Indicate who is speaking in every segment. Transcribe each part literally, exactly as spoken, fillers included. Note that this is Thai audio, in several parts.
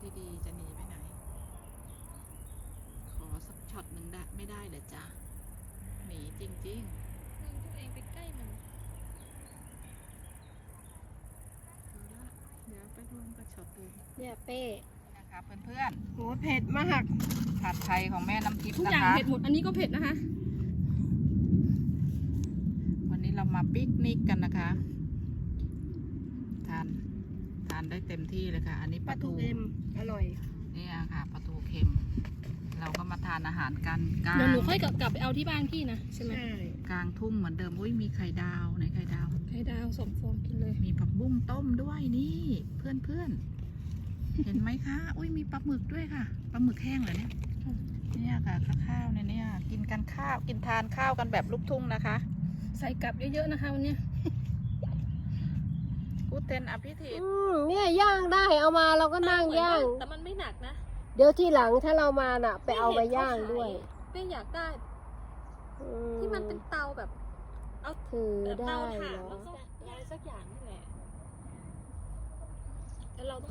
Speaker 1: ดีๆจะหนีไปไหนขอสักช็อตหนึ่งได้ไม่ได้เหรอจ๊ะหนีจริงๆ
Speaker 2: นั่งตัวเองไปใกล้มัน
Speaker 1: เอาละเดี๋ยวไปรวมกับช็อตอื่น
Speaker 2: เนี่ยเป้
Speaker 1: นะคะเพื่อน
Speaker 2: โหเผ็ดมาก
Speaker 1: ๆผัดไทยของแม่น้ำทิพย์
Speaker 2: ทุกอ
Speaker 1: นะ
Speaker 2: ย่าง
Speaker 1: คะ
Speaker 2: เผ็ดหมดอันนี้ก็เผ็ดนะคะ
Speaker 1: วันนี้เรามาปิกนิกกันนะคะทานทานได้เต็มที่เลยค่ะ อันนี้
Speaker 2: ป
Speaker 1: ป
Speaker 2: ลา
Speaker 1: ลา
Speaker 2: ทู
Speaker 1: ทู
Speaker 2: เค็มอร่อย
Speaker 1: นี่ค่ะปลาทูเค็ม เราก็มาทานอาหารกันกลาง
Speaker 2: เดี๋ยวหนูค่อยกลับไปเอาที่บ้านพี่นะใช่ไหม
Speaker 1: กลางทุ่งเหมือนเดิมอุ้ยมีไข่ดาวไหนไข่ดาว
Speaker 2: ไข่ดาวสองฟองกินเลย
Speaker 1: มีผักบุ้งต้มด้วยนี่เพื่อนเพื่อนๆ เห็นไหมคะอุ้ยมีปลาหมึกด้วยค่ะปลาหมึกแห้งเหรอเนี่ยเนี่ยค่ะข้าวเนี่ยเนี่ยกินกันข้าวกินทานข้าวกันแบบลูกทุ่งนะคะ
Speaker 2: ใส่กลับเยอะๆนะคะวันนี้
Speaker 1: กูเทนอภิธิต
Speaker 3: อืมเนี่ยย่างได้เอามาเราก็นั่งย่าง
Speaker 2: แต่มันไม่หนักนะ
Speaker 3: เดี๋ยวที่หลังถ้าเรามาน่ะ ไปเอามาย่างด้วย
Speaker 2: เป้อยากได้
Speaker 3: อื
Speaker 2: ที่มันเป็นเตาแบบ เอา
Speaker 3: ถือ
Speaker 2: แบบ
Speaker 3: ได้
Speaker 2: เตาถ่าน
Speaker 3: เหรอ
Speaker 2: แล้วก็อะไรสักอย่างนี่แหละแล้วเราต้อง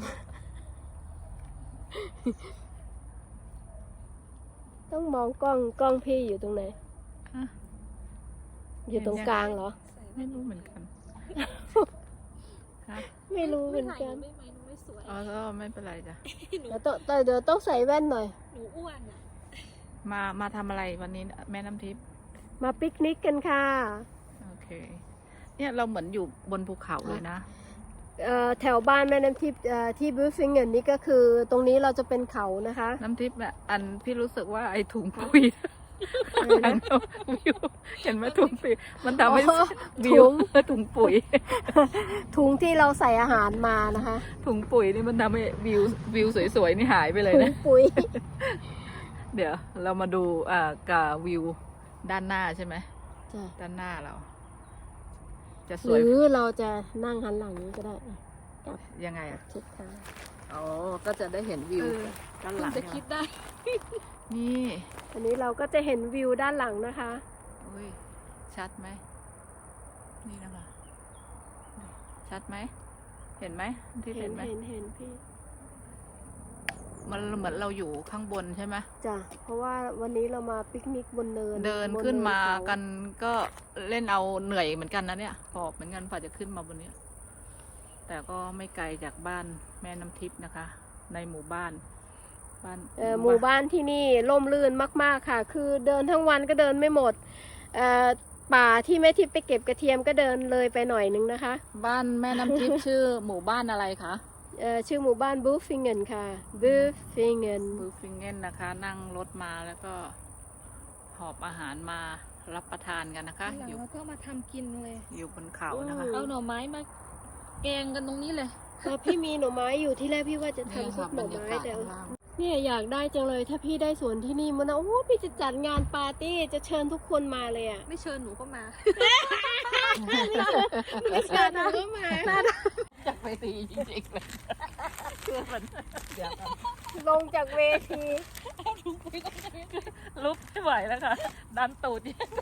Speaker 3: ต้องมองกล้องกล้องพี่อยู่ตรงไหน
Speaker 1: ฮะ
Speaker 3: อยู่ตรงกลางเหรอ
Speaker 2: ใส่
Speaker 1: ไม่รู้เหมือนกันฮะ
Speaker 3: ไม่รู้เหมือน
Speaker 2: ถ่าย
Speaker 3: กัน
Speaker 2: หไม่ไหมหนูไม่สวย
Speaker 1: อ๋อก็ไม่เป็นไรจ้ะ
Speaker 2: หนู
Speaker 3: เดี๋ยวต้องเดี๋ยวต้องใส่แว่นหน่อย
Speaker 2: หนูอ้วนอ่ะ
Speaker 1: มามาทำอะไรวันนี้แม่น้ำทิพย์
Speaker 3: มาปิกนิกกันค่ะ
Speaker 1: โอเค เนี่ยเราเหมือนอยู่บนภูเขาเลยนะ
Speaker 3: เอ่อแถวบ้านแม่น้ำทิพย์เอ่อที่บูฟิงเงินนี่ก็คือ ตรงนี้เราจะเป็นเขานะคะ
Speaker 1: น้ำทิพย์อ่ะอันพี่รู้สึกว่าไอ้ถุงปุ๋ยหลังเราวิวเห็นไหมถุงปุ๋ยมันทำให้
Speaker 3: อ๋อ
Speaker 1: วิวถุงปุ๋ย
Speaker 3: ถุงที่เราใส่อาหารมานะคะ
Speaker 1: ถุงปุ๋ยนี่มันทำให้วิววิวสวยๆนี่หายไปเลย
Speaker 3: ถุง
Speaker 1: นะ
Speaker 3: ปุ๋ย
Speaker 1: เดี๋ยวเรามาดูอ่ากับวิวด้านหน้าใช่ไหม
Speaker 3: จ้ะ
Speaker 1: ด้านหน้าเรา จะส
Speaker 3: ห
Speaker 1: วย
Speaker 3: รือเราจะนั่งหันหลังก็ได้อ่ะ
Speaker 1: ยังไงอ่ะ
Speaker 3: ชิดทาง
Speaker 1: อ๋อก็จะได้เห็นวิว
Speaker 2: เออ
Speaker 1: ด้าน
Speaker 2: เพิ่
Speaker 1: หลั
Speaker 2: ง
Speaker 1: ง
Speaker 2: จะคิดได้
Speaker 1: นี่
Speaker 3: อันนี้เราก็จะเห็นวิวด้านหลังนะคะ
Speaker 1: อุ้ยชัดไหมนี่นะคะชัดไหมเห็นไหมที่
Speaker 3: เห็
Speaker 1: เห็
Speaker 3: น
Speaker 1: นไหม
Speaker 3: เห็นเห็นพี่
Speaker 1: มันเหมือนเราอยู่ข้างบนใช่ไหม
Speaker 3: จ้ะเพราะว่าวันนี้เรามาปิกนิกบนเนิน
Speaker 1: เดิน
Speaker 3: บ
Speaker 1: ขึ้นมา
Speaker 3: เข
Speaker 1: กันก็เล่นเอาเหนื่อยเหมือนกันนะเนี่ยหอบเหมือนกันฝ่าจะขึ้นมาบนนี้แต่ก็ไม่ไกลจากบ้านแม่น้ำทิพย์นะคะ ในหมู่บ้านบ้าน
Speaker 3: เอ่อหมู่บ้านที่นี่ร่มรื่นมากๆค่ะ คือเดินทั้งวันก็เดินไม่หมดเอ่อป่าที่แม่ทิพย์ไปเก็บกระเทียมก็เดินเลยไปหน่อยนึงนะคะ
Speaker 1: บ้านแม่น้ำทิพย์ ชื่อหมู่บ้านอะไรคะ
Speaker 3: เอ่อชื่อหมู่บ้านบูฟิงเงินค่ะบูฟิงเงิน
Speaker 1: บูฟิงเกนนะคะ นั่งรถมาแล้วก็หอบอาหารมารับประทานกันนะคะ
Speaker 2: หลัง
Speaker 1: อยู่
Speaker 2: เราก็มาทำกินเลย
Speaker 1: อยู่บนเขานะคะ
Speaker 2: เอาหน่อไม้มาแกงกันตรงนี้เลย
Speaker 3: แล้วพี่มีหน่อไม้อยู่ที่แรกพี่ว่าจะ
Speaker 1: นี่
Speaker 3: ทำซุ
Speaker 1: ค่ะ
Speaker 3: ปห
Speaker 1: บร
Speaker 3: น่อ
Speaker 1: รยา
Speaker 3: ไม้
Speaker 1: กาศ
Speaker 3: แต่
Speaker 1: ข้างล่าง
Speaker 3: เนี่ยอยากได้จังเลยถ้าพี่ได้สวนที่นี่มันนะโอ้พี่จะจัดงานปาร์ตี้จะเชิญทุกคนมาเลยอ่ะ
Speaker 2: ไม่เชิญหนูก็มา
Speaker 3: ไม่เชิญหนูก็มา
Speaker 1: จากเวทีจริงๆเลยเพื่อมันเดี๋ยวกัน
Speaker 3: ลงจากเวที
Speaker 1: ลุกไม่ไหวแล้วค่ะ ดันตูด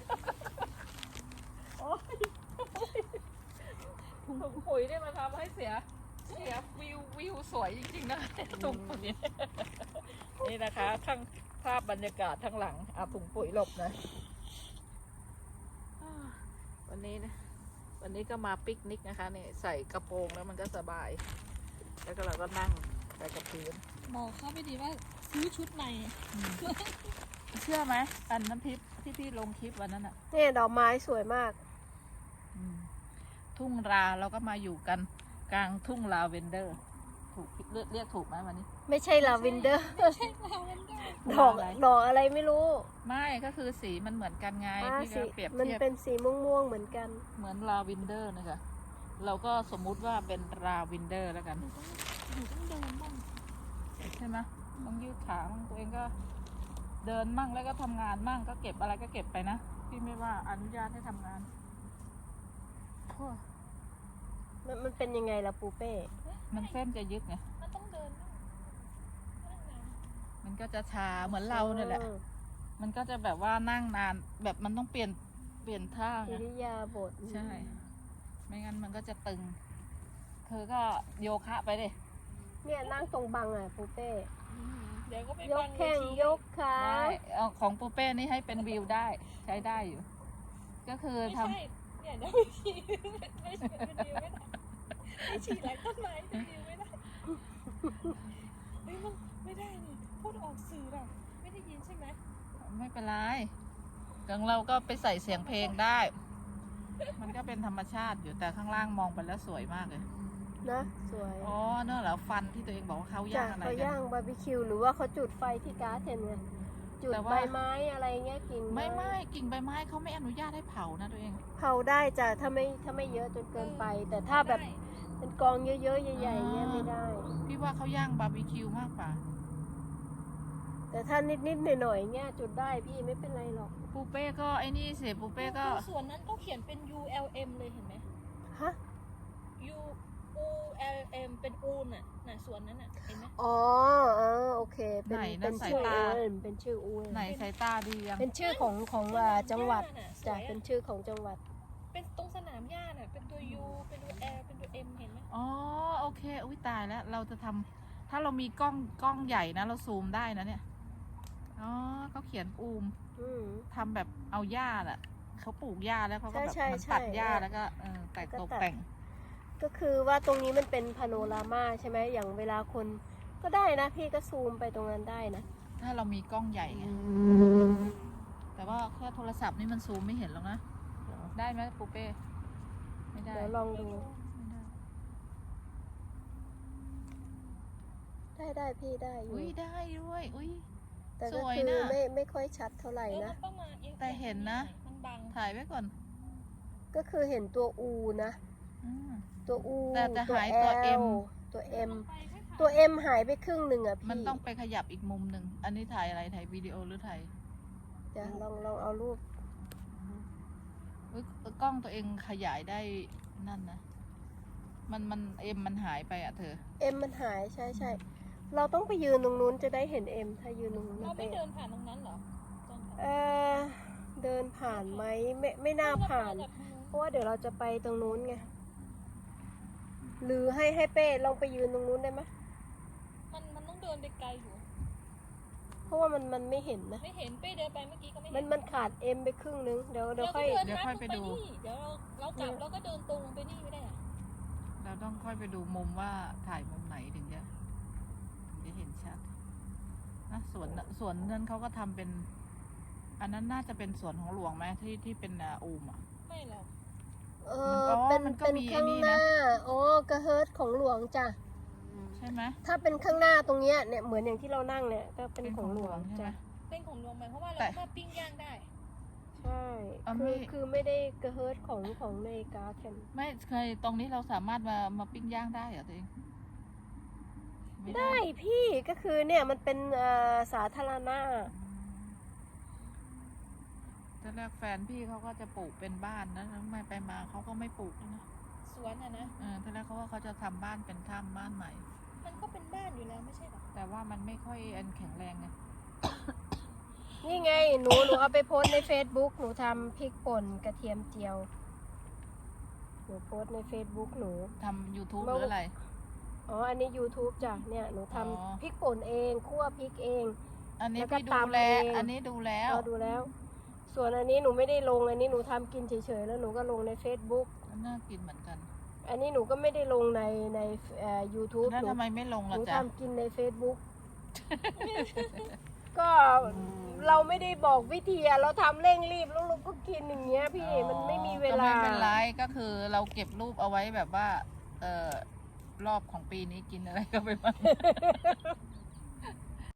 Speaker 1: ถุงปุ๋ยเนี่ยมันทำให้เสียเสียวิววิวสวยจริงๆนะถุงปุ๋ยนี่นะคะทั้งภาพบรรยากาศทั้งหลังเอาถุงปุ๋ยหลบหนะวันนี้นะวันนี้ก็มาปิกนิกนะคะเนี่ยใส่กระโปรงแล้วมันก็สบาย แล้วก็เราก็นั่งไปกับพื้น
Speaker 2: บอกเขาไปดีว่าซื้อชุดใหม่
Speaker 1: เชื่อไหมอันน้ำทิพย์ที่พี่ลงคลิปวันนั้นอะ
Speaker 3: เนี่ยดอกไม้สวยมาก
Speaker 1: อืมทุ่งราเราก็มาอยู่กันกลางทุ่งลาเวนเดอร์ ถูกเรียกเรียกถูกไหมวันนี้
Speaker 3: ไม่ใช่ลาเวนเดอร์
Speaker 2: ไม่ใช่ลาเวนเดอร์
Speaker 3: ดอก
Speaker 1: อะไร
Speaker 3: ดอกอะไรไม่รู้
Speaker 1: ไม่ก็คือสีมันเหมือนกันไง
Speaker 3: อ่า
Speaker 1: พี่
Speaker 3: สี
Speaker 1: ก็เปรียบ
Speaker 3: มัน
Speaker 1: เทียบ
Speaker 3: เป็นสีม่วงๆเหมือนกัน
Speaker 1: เหมือนลาเวนเดอร์นะคะเราก็สมมุติว่าเป็นลาเวนเดอร์แล้วกัน
Speaker 2: หนูต้องเดินบ้าง
Speaker 1: ใช่ไหมต้องยืดขาบ้างตัวเองก็เดินมั่งแล้วก็ทำงานมั่งก็เก็บอะไรก็เก็บไปนะพี่ไม่ว่าอนุญาตให้ทำงานโอ้ย
Speaker 3: มันมันเป็นยังไงล่ะปูเป้
Speaker 1: มันเส้นจะยึดไง
Speaker 2: มันต้องเดินบ้างนั่งนาน
Speaker 1: มันก็จะชาเหมือนเราเนี่ยแหละ
Speaker 3: ออ
Speaker 1: มันก็จะแบบว่านั่งนานแบบมันต้องเปลี่ยนเปลี่ยนท่า
Speaker 3: อิ
Speaker 1: ไง
Speaker 3: ริยาบถ
Speaker 1: ใช่ ไม่งั้นมันก็จะตึง เธอก็โยคะไปดิ
Speaker 3: เนี่ยนั่งตรงบังอ่ะปูเป้
Speaker 2: เดี๋ยวก็ไป
Speaker 3: ย
Speaker 2: บั
Speaker 3: ก
Speaker 2: ง
Speaker 3: แข้ง
Speaker 2: เวที
Speaker 3: ยกขา
Speaker 1: ได้เอาของปูเป้นี่ให้เป็นวิวได้ใช้ได้อยู่ ก็คือ
Speaker 2: ไม่
Speaker 1: ทำ
Speaker 2: ใช่เนี่ยเดี๋ยวไม่ฉี่ไม่ฉี่เป็นดิวไม่ได้ไม่ฉี่หลังต้นไม้เป็นดิวไม่ได้เฮ้ยมันไม่ได้นี่พูดออกสื่อน่ะไม่ได้ยินใช่ไหม
Speaker 1: ไม่เป็นไรของเราก็ไปใส่เสียงเพลงได้ มันก็เป็นธรรมชาติอยู่แต่ข้างล่างมองไปแล้วสวยมากเลย
Speaker 3: นะสวย
Speaker 1: อ๋อเนอะเหรอฟันที่ตัวเองบอกว่าเขา
Speaker 3: จา
Speaker 1: ย่าก งอะไร
Speaker 3: เขา
Speaker 1: กั
Speaker 3: ย่างบาร์บีคิวหรือว่าเขาจุดไฟที่ก๊าซเห็นไงจุด
Speaker 1: แต่ว่า
Speaker 3: ใบไม้อะไรเงี้ยกิ่ง
Speaker 1: ไม่ไม่กิ่งใบไม้เขาไม่อนุญาตให้เผานะตัวเอง
Speaker 3: เผาได้จ้ะถ้าไม่ถ้าไม่เยอะจนเกินไป แต่ถ้าแบบ
Speaker 2: ได้
Speaker 3: เป็นกองเยอะๆใหญ่ๆเงี้ยไม่ได้
Speaker 1: พี่ว่าเขาย่างบาร์บีคิวมากกว่า
Speaker 3: แต่ถ้านิดๆหน่อยๆเงี้ยจุดได้พี่ไม่เป็นไรหรอก
Speaker 1: ปูเป้ก็ไอ้นี่เสียปูเป้ก็
Speaker 2: ดูส่วนนั้นเขาเขียนเป็น U L M เลยเห็นไหม
Speaker 3: ฮะ
Speaker 2: U U L M เป็นอูนน่ะน่ะส่วนนั้นน่ะเห็นไหม
Speaker 3: อ๋อเออโอเค เป็น
Speaker 1: ไหน
Speaker 3: เป็
Speaker 1: นะ
Speaker 3: น
Speaker 1: สาย
Speaker 3: ชื่อ
Speaker 1: ตา
Speaker 3: อูนเป็นชื่ออูน
Speaker 1: ไหนสายตาดียัง
Speaker 3: เป็นชื่อของของอ่าจังหวัด
Speaker 2: น่ะส
Speaker 3: จ้ะ
Speaker 2: วย
Speaker 3: เป็น
Speaker 2: อะ
Speaker 3: ชื่อของจังหวัด
Speaker 2: เป็นตรงสนามหญ้าน่ะเป็นตัว U เป็นตัว L เป็นตัว M เห็นไหม
Speaker 1: อ๋อโอเคอุ้ยตายแล้วเราจะทำถ้าเรามีกล้องกล้องใหญ่นะเราซูมได้นะเนี่ยอ๋อเขาเขียนอูม
Speaker 3: อืม
Speaker 1: ทำแบบเอาหญ้าแหละเขาปลูกหญ้าแล้วเขาก็แบบ
Speaker 3: ใช่
Speaker 1: มัน
Speaker 3: ใช่
Speaker 1: ตัดหญ้า
Speaker 3: ใช่
Speaker 1: แล้วก็เออแต่ง
Speaker 3: แล้วก็
Speaker 1: ตก
Speaker 3: ตัด
Speaker 1: แต่ง
Speaker 3: ก็คือว่าตรงนี้มันเป็นพาโนรามาใช่ไหมอย่างเวลาคนก็ได้นะ พี่ก็ซูมไปตรงนั้นได้นะ
Speaker 1: ถ้าเรามีกล้องใหญ่ไงแต่ว่าแค่โทรศัพท์นี่มันซูมไม่เห็นหรอกนะ ได้ไหมปูเป้ไม่ได้
Speaker 3: เดี๋ยวลองดู
Speaker 1: ไม่ได้
Speaker 3: ได้ได้พี่ได้อยู่
Speaker 1: อุ้ยได้ด้วยอุ้ย
Speaker 3: แต่ก็
Speaker 1: สวย
Speaker 3: คือ
Speaker 1: น่ะ
Speaker 3: ไม่ไม่ค่อยชัดเท่าไหร่
Speaker 2: เออ
Speaker 3: นะ
Speaker 2: มันประมาณเอง
Speaker 1: แต่เห็นนะ
Speaker 2: มันบัง
Speaker 1: ถ่ายไว้ก่อน
Speaker 3: ก็คือเห็นตัวอูนะ
Speaker 1: อืม
Speaker 3: ตัวอู
Speaker 1: แต่แต่
Speaker 3: ตัว
Speaker 1: หายตัว
Speaker 3: แอ
Speaker 1: M
Speaker 3: ลตัวเอ็ม
Speaker 2: ไปไม่ผ่าน
Speaker 3: ตัวเอ็มหายไปครึ่งหนึ่งอ่ะพี่
Speaker 1: มันต้องไปขยับอีกมุมหนึ่งอันนี้ถ่ายอะไรถ่ายวิดีโอหรือถ่าย
Speaker 3: จะลองลองเอารูป
Speaker 1: อุ๊ยกล้องตัวเองขยายได้นั่นนะมันมันเอ็มมันหายไปอ่ะเธอ
Speaker 3: เอ็มมันหายใช่ใช่เราต้องไปยืนตรงนู้นจะได้เห็นเอ็มถ้ายืนตรงนู้น
Speaker 2: เรา
Speaker 3: นะ
Speaker 2: ไม่
Speaker 3: เป้
Speaker 2: เดินผ่านตรงนั้นเหรอตอน
Speaker 3: เออเดินผ่านไหมไม่ไม่น่าผ่าน เพราะว่าเดี๋ยวเราจะไปตรงนู้นไงหรือให้ให้เป้ลองไปยืนตรงนู้นได้ไหม
Speaker 2: มันมันต้องเดินไปไกลอยู่
Speaker 3: เพราะว่ามันมันไม่เห็นนะ
Speaker 2: ไม่เห็นเป้เดินไปเมื่อกี้ก็ไม่
Speaker 3: มั
Speaker 2: เห็
Speaker 3: น
Speaker 2: น
Speaker 3: มันขาดเอ็มไปครึ่งนึงเดี๋ยวเดี๋ยวค่อย
Speaker 2: ราก็
Speaker 1: เดี๋ยวค่อยไปดู
Speaker 2: นี่เดี๋ยวเราเรากลับเราก็เดินตรงลงไปนี่ไม่ได้อะ
Speaker 1: เราต้องค่อยไปดูมุมว่าถ่ายมุมไหนถึงจะถึงจะเห็นชัดนะสวนสวนนั้นเขาก็ทำเป็น อันนั้นน่าจะเป็นสวนของหลวงไหมที่ที่เป็นอ่าอูมอ่ะ
Speaker 2: ไม่หรอก
Speaker 3: เอ
Speaker 1: อ๋
Speaker 3: อ
Speaker 1: อ
Speaker 3: เป็น
Speaker 1: มันก็
Speaker 3: เป็น
Speaker 1: มี
Speaker 3: ข้าง
Speaker 1: ไอ้นี่
Speaker 3: ห
Speaker 1: นะ
Speaker 3: น้าอ๋อกระเฮิร์ตของหลวงจ้ะ
Speaker 1: ใช่ไหม
Speaker 3: ถ้าเป็นข้างหน้าตรงเนี้ยเนี่ยเหมือนอย่างที่เรานั่งเนี่ยก็เป็น
Speaker 1: เป็น
Speaker 3: ข
Speaker 1: ข
Speaker 3: อ
Speaker 1: อง ง
Speaker 3: ห
Speaker 1: ห
Speaker 3: ล
Speaker 1: ล
Speaker 3: ว
Speaker 1: ว
Speaker 3: ง
Speaker 1: งใช่ไหม
Speaker 3: จ้ะ
Speaker 2: เป็นของหลวงไหมเพราะว่าเรา
Speaker 1: แต่
Speaker 2: สามารถปิ้งย่างได้
Speaker 3: ใช่
Speaker 1: อ่ะ
Speaker 3: คื
Speaker 1: ไม่
Speaker 3: อคือไม่ได้กระเฮิร์ตของของในการ์ดกัน
Speaker 1: ไม่เคยตรงนี้เราสามารถมามาปิ้งย่างได้เหรอตัวเองไม่
Speaker 3: ได้พี่ก็คือเนี่ยมันเป็นเอ่อสาธารณะ
Speaker 1: ตอนแรกแฟนพี่เขาก็จะปลูกเป็นบ้านนะแล้วไม่ไปมาเขาก็ไม่ปลูกแล้วนะ
Speaker 2: สวนอ่ะนะ
Speaker 1: เออตอนแรกเขาว่าเขาจะทำบ้านเป็นถ้ำบ้านใหม่
Speaker 2: มันก็เป็นบ้านอยู่แล้วไม่ใช่หรอ
Speaker 1: แต่ว่ามันไม่ค่อยอันแข็งแรงไง
Speaker 3: นี่ไงหนูหนูเอาไปโพสต์ใน Facebook หนูทำพริกป่นกระเทียมเจียวหนูโพสต์ใน Facebook หนู
Speaker 1: ทำ YouTube หรืออะไร
Speaker 3: อ๋ออันนี้ YouTube จ้ะเนี่ยหนูทำ
Speaker 1: อ๋อ
Speaker 3: พริกป่นเองคั่วพริกเอง
Speaker 1: อันนี้
Speaker 3: แล้วก็
Speaker 1: พี่ดู
Speaker 3: ตำ
Speaker 1: แล
Speaker 3: เอง
Speaker 1: อันนี้ดูแล้ว
Speaker 3: เราดูแล้ว ส่วนอันนี้หนูไม่ได้ลงอันนี้หนูทำกินเฉยๆแล้วหนูก็ลงใน Facebook
Speaker 1: น่ากินเหมือนกัน
Speaker 3: อันนี้หนูก็ไม่ได้ลงในในเอ่อ YouTube
Speaker 1: แล้ว
Speaker 3: หนู
Speaker 1: ทำไมไม่ลง
Speaker 3: ห
Speaker 1: ล่ะ
Speaker 3: นู
Speaker 1: จ๊ะ
Speaker 3: ทำกินใน Facebook ก็เราไม่ได้บอกวิธีอะเราทำเร่งรีบแล้วเราก็กินอย่างเงี้ยพี่มันไม่มีเวลา
Speaker 1: ก็ไม่เป็นไรก็คือเราเก็บรูปเอาไว้แบบว่า เออรอบของปีนี้กินอะไรก็ไปบ้าง